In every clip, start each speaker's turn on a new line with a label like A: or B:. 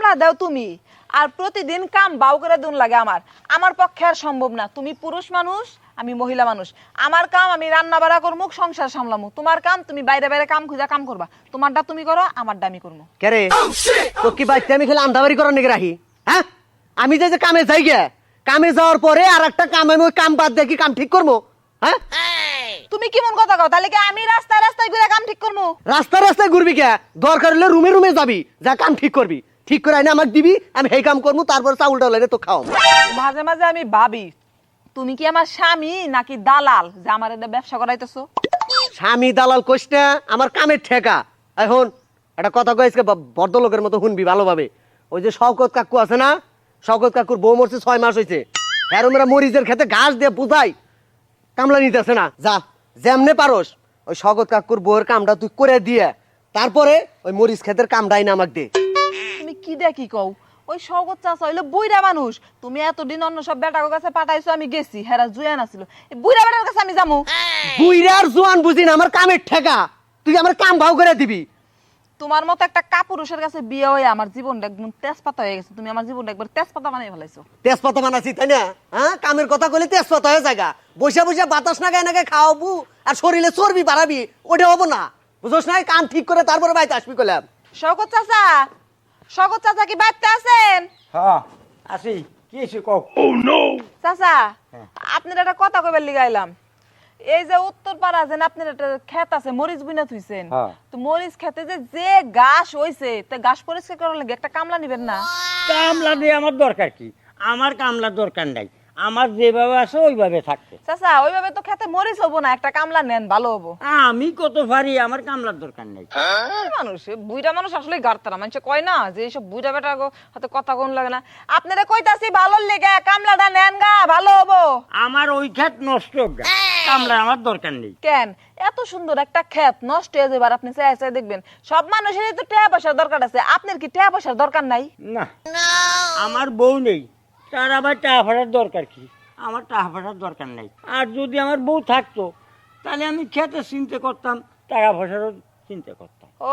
A: টাকা দাও তুমি, আর প্রতিদিন কাম বাউ করে দুন লাগে আমার। আমার পক্ষে আর সম্ভব না। তুমি পুরুষ মানুষ, আমি মহিলা মানুষ। আমার কাম আমি রান্না বাড়া করবো, সংসার সামলামু। তোমার কাম তুমি বাইরে বাইরে কাম খুঁজা কাম করবা। তোমারটা তুমি করো, আমারটা আমি করবো।
B: কে রে তো কি বাইতে আমি খেলে আন্দাবাড়ি করার নাকি রাখি? হ্যাঁ, আমি যে কামে যাই গে, কামে যাওয়ার পরে আর একটা কাম আমি ওই কাম বাদ দেখি কাম ঠিক করবো? হ্যাঁ,
A: তুমি কেমন কথা কও? তাহলে কি আমি রাস্তায় রাস্তায় ঘুরে কাম ঠিক করবো?
B: রাস্তায় রাস্তায় ঘুরবি কে? দরকার হলে রুমে রুমে যাবি, যা কাম ঠিক করবি। ঠিক করে আইনে আমাকে দিবি, আমি সেই কাম করবো, তারপর চাউল টাউল এনে তো খাও।
A: মাঝে মাঝে আমি ভাবি তুমি কি আমার স্বামী নাকি দালাল যে আমার এটা ব্যবসা করাইতেছো?
B: স্বামী দালাল কইস না, আমার কামের ঠেকা। এখন একটা কথা কইসকে ভদ্রলোকের মতো শুনবি ভালোভাবে। ওই যে শওকত কাকু আছে না, শওকত কাকুর বউ মরছে 6 মাস হয়েছে। হেরমেরা মরিচের খেতে ঘাস দিয়ে বুঝাই কামলা নিতেছে না। যা যেমনে পারোস ওই শওকত কাকুর বউয়ের কামটা তুই করে দিয়ে তারপরে ওই মরিচ ক্ষেতের কামটাই না আমাকে দে।
A: তুমি কি দেখি কও? ওই শওকত চাচা হইলো বুইড়া মানুষ। তুমি এতদিন অন্য সব বেটার কাছে পাঠাইছো, আমি গেছি, হেরা জুয়ান আছিল। এই বুইড়া বেটার কাছে আমি যামু?
B: বুইরার জোয়ান বুঝি না, আমার কামের ঠেকা। তুই আমার কাম ভাও করে দিবি।
A: তোমার মতো একটা কাপুরুষের কাছে বিয়ে হয়ে আমার জীবনটা একদম তেজপাতা হয়ে গেছে। তুমি আমার জীবনটা একবার তেজপাতা বানিয়ে ফেলাইছো।
B: তেজপাতা বানাচ্ছি তাই না? হ্যাঁ, কামের কথা কইলে তেজপাতা হয়ে জায়গা। বসে বসে বাতাস না গায়ে নাকে খাওয়াবু আর শরীরে চর্বি বাড়াবি, ওটা হবো না। বুঝোস না? কাম ঠিক করে তারপরে বাইতে আসবি কইলাম।
A: শওকত চাচা, শওকত চাচা কি বাড়িতে আছেন?
C: হ্যাঁ আসি, কি এসে কও?
A: চাচা, আপনার একটা কথা কইবার লিগাইলাম। এই যে উত্তর পাড়া যে আপনার একটা ক্ষেত আছে, মরিচ বুনা থুইছেন,
C: হ্যাঁ।
A: তো মরিচ খেতে যে ঘাস হইছে, তে ঘাস পরিষ্কার করার লাগে একটা কামলা নিবেন না?
C: কামলা দিয়ে আমার দরকার কি? আমার কামলার দরকার নাই, আমার যেভাবে আছে ওইভাবে থাকতে।
A: চাচা, ওইভাবে তো খেতে মরিচ হবো না, একটা কামলা নেন, ভালো হবো।
C: আমি কত পারি, আমার কামলার দরকার নাই।
A: মানুষ বুইড়া মানুষ আসলে গাড়তারা মানুষ কয় না যে এইসব বুইড়া বেটা হাতে কথা কোন লাগে না। আপনারা কইতাছি ভালো লেগে কামলাটা নেন গা, ভালো হবো।
C: আমার ওই ক্ষেত নষ্ট হোক গা, কামলার আমার দরকার নেই।
A: কেন এত সুন্দর একটা ক্ষেত নষ্ট হয়ে যাবার আপনি চাই চাই দেখবেন? সব মানুষেরই তো টাকা পয়সার দরকার আছে, আপনার কি টাকা পয়সার দরকার নাই?
C: না, আমার বউ নেই, তার আবার টাকা ফাটার দরকার কি? আমার টাকা ফাটার দরকার নাই। আর যদি আমার বউ থাকতো তাহলে আমি খেতে চিন্তা করতাম, টাকা পয়সারও চিন্তা করতাম।
A: ও,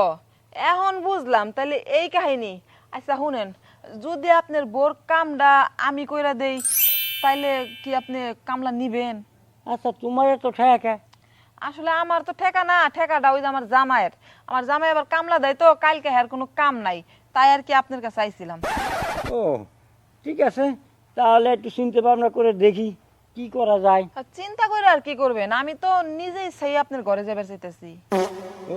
A: এখন বুঝলাম তাহলে এই কাহিনী। আচ্ছা শুনেন, যদি আপনার বোর কামটা আমি কইরা দেই তাইলে কি আপনি কামলা নিবেন?
C: আচ্ছা, তোমার তো ঠেকা।
A: আসলে আমার তো ঠেকা না, ঠেকাটা ওই যে আমার জামাইয়ের। আমার জামাই আবার কামলা দেয় তো, কালকে হ্যার কোনো কাম নাই, তাই আর কি আপনার কাছে আইছিলাম।
C: ও ঠিক আছে, তাহলে একটু চিন্তা ভাবনা করে দেখি কি করা যায়।
A: আর চিন্তা করে আর কি করবেন? আমি তো নিজেই সেই আপনার ঘরে যাবার চাইতেছি।
C: ও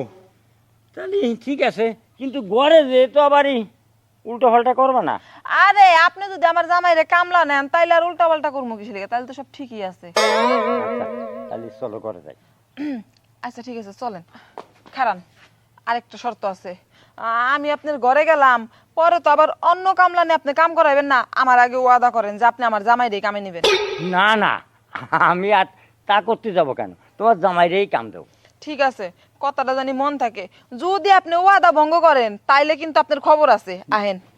C: তাহলে ঠিক আছে, কিন্তু ঘরে যে তো আবারই উল্টো পাল্টা করবে না।
A: আরে আপনি যদি আমার জামাইরে কামলা নেন তাইলে আর উল্টা পাল্টা করবো কিসের লিগে? তাহলে তো সব ঠিকই আছে।
C: আচ্ছা, তাহলে চলো করে যাই।
A: আচ্ছা ঠিক আছে, চলেন। খারান, আরেকটা শর্ত আছে। আমি আপনার ঘরে গেলাম, পরে তো আবার অন্য কামলা নিয়ে আপনি কাম করাইবেন না। আমার আগে ওয়াদা করেন যে আপনি আমার জামাইরে কামে নিবেন।
C: না না, আমি আর তা করতে যাব কেন? তোমার জামাইরেই কাম দেবো।
A: ঠিক আছে, কথাটা জানি মন থাকে। যদি আপনি ওয়াদা ভঙ্গ করেন তাইলে কিন্তু আপনার খবর আছে। আহেন।